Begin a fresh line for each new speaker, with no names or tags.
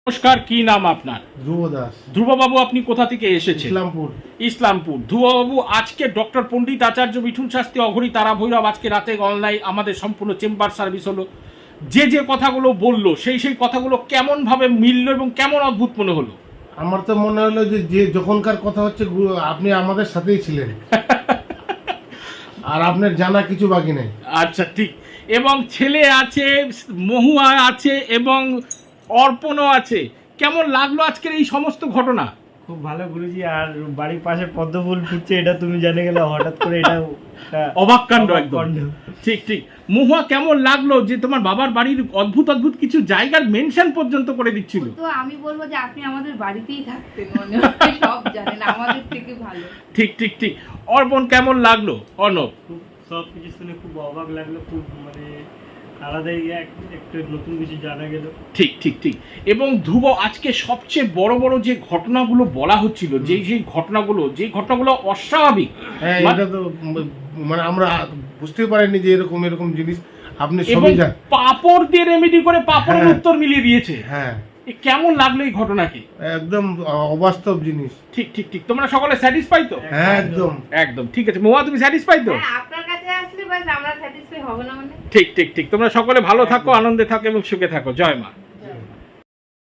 নমস্কার, কি নাম আপনার?
ধ্রুব দাস।
ধ্রুববাবু, আপনি কোথা থেকে এসেছেন?
ইসলামপুর।
ইসলামপুর। ধ্রুববাবু, আজকে ডক্টর পণ্ডিত আচার্য মিঠুন শাস্ত্রী অঘরী তারা ভৈরব আজকে রাতে অনলাইন আমাদের সম্পূর্ণ চেম্বার সার্ভিস হলো। যে কথাগুলো বললো সেই কথাগুলো কেমন ভাবে মিললো এবং কেমন অদ্ভুত মনে হলো?
আমার তো মনে হলো যে যখনকার কথা হচ্ছে আপনি আমাদের সাথেই ছিলেন আর আপনার জানা কিছু বাকি নেই।
আচ্ছা, ঠিক। এবং ছেলে আছে, মহুয়া আছে এবং অর্পণও আছে। কেমন লাগলো আজকের এই সমস্ত ঘটনা?
খুব ভালো গুরুজি। আর বাড়ির পাশে পদ্ম ফুল ফুটছে, এটা তুমি জেনে গেলে হঠাৎ করে, এটা
অবাক কাণ্ড একদম। ঠিক ঠিক। মহুয়া, কেমন লাগলো যে তোমার বাবার বাড়ির অদ্ভুত অদ্ভুত কিছু জায়গার মেনশন পর্যন্ত করে দিচ্ছিল?
তো আমি বলবো যে আপনি আমাদের বাড়িতেই থাকতেন, মনে হয় সব জানেন আমাদের থেকে ভালো।
ঠিক ঠিক ঠিক। অর্পণ, কেমন লাগলো? অর্ণব?
খুব সব কিছু শুনে খুব অবাক লাগলো, খুব আলাদাই একটা নতুন কিছু জানা গেল।
ঠিক ঠিক ঠিক। এবং ধ্রুব, আজকে সবচেয়ে বড় বড় যে ঘটনাগুলো বলা হচ্ছিল, সেই ঘটনাগুলো অস্বাভাবিক।
হ্যাঁ, এটা তো আমরা বুঝতে পারিনি যে এরকম জিনিস আপনি
এবং
সবই জানেন।
পাপড় দিয়ে রেমেডি করে পাপড়ের
হ্যাঁ।
উত্তর মিলিয়ে দিয়েছে।
হ্যাঁ,
কেমন লাগলো এই ঘটনাকে?
একদম অবাস্তব জিনিস।
ঠিক ঠিক ঠিক। তোমরা সকলে স্যাটিসফাই তো?
হ্যাঁ, একদম
একদম ঠিক আছে। মহুয়া, তুমি স্যাটিসফাই তো?
হ্যাঁ, আপনার কাছে আসলে বাস আমরা স্যাটিসফাই হব না মানে।
ঠিক ঠিক ঠিক। তোমরা সকলে ভালো থাকো, আনন্দে থাকো এবং সুখে থাকো। জয় মা।